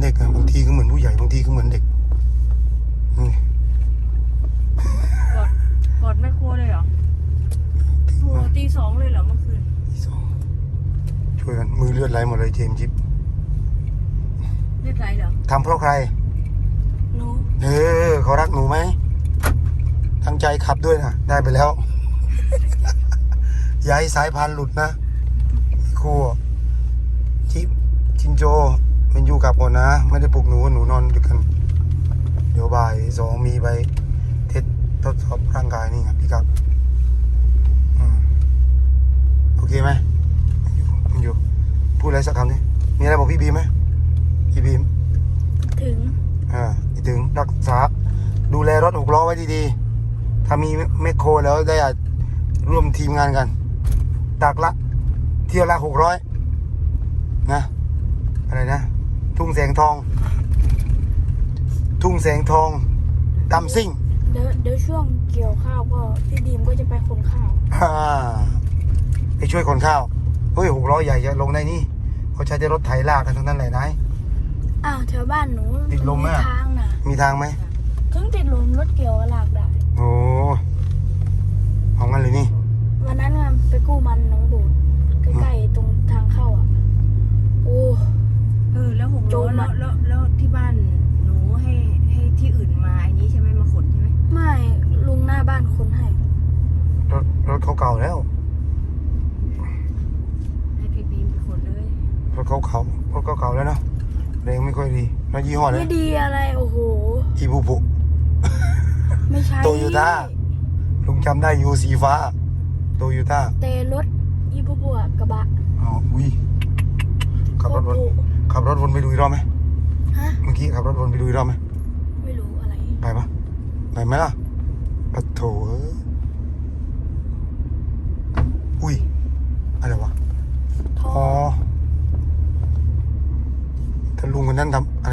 ด็กอะบางทีก็เหมือนผู้ใหญ่บางทีก็เหมือนเด็กนี่กอดแม่ครัวเลยเหรอโหตีสองเลยเหรอเมื่อคืนตีสองช่วยกันมือเลือดไหลหมดเลยเจมส์จิ๊บเลือดไหลเหรอทำเพราะใครหนูเขารักหนูไหมตั้งใจขับด้วยนะได้ไปแล้ว อย่าให้สายพานหลุดนะครูจินโจมันอยู่กับก่อนนะไม่ได้ปลุกหนูนอนด้วยกันเดี๋ยวบ่ายสองมีไปทดสอบร่างกายนี่ครับพี่ครับโอเคไหมมันอยู่พูดอะไรสักคำนี้มีอะไรบอกพี่บีมไหมพี่บีมถึงถึงรักษาดูแลรถ6 ล้อไว้ดีๆถ้ามีแมคโครแล้วได้ร่วมทีมงานกันตักละเที่ยวละ600นะอะไรนะทุ่งแสงทองดำซิ่งเดี๋ยวช่วงเกี่ยวข้าวก็พี่บีมก็จะไปขนข้าวไปช่วยขนข้าวเฮ้ย6 ล้อใหญ่จะลงได้นี่เขาใช้รถไถลากกันทั้งนั้นเลยนายแถวบ้านหนูติดลมไหมทางน่ะมีทางไหมถึงติดลมรถเกี่ยวลากได้โอ้เอางั้นเลยนี่วันนั้นไปกู้มันน้องบูดใกล้ๆตรงทางเข้าโอ้แล้ว6 ล้อแล้วที่บ้านหนูให้ที่อื่นมาไอ้นี้ใช่ไหมมาขนใช่ไหมไม่ลุงหน้าบ้านขนให้รถเขาเก่าแล้วให้พี่บีมไปขนเลยรถเขาเก่าแล้วเนาะแรงไม่ค่อยดีแล้วยี่ห้ออะไรไม่ดีอะไรโอ้โหอีบูบุไม่ใช่โตโยต้าลุงจำได้อยู่สีฟ้าโตโยต้าแต่รถอีบูบุกระบะอุ้ยขับรถวนไปดูอีกรอบไหมเมื่อกี้ขับรถวนไปดูอีกรอบไหมไม่รู้อะไรไปปะไปไหมล่ะปะโถอุ้ยอะไรวะถ้าลุงคนนั้นทำ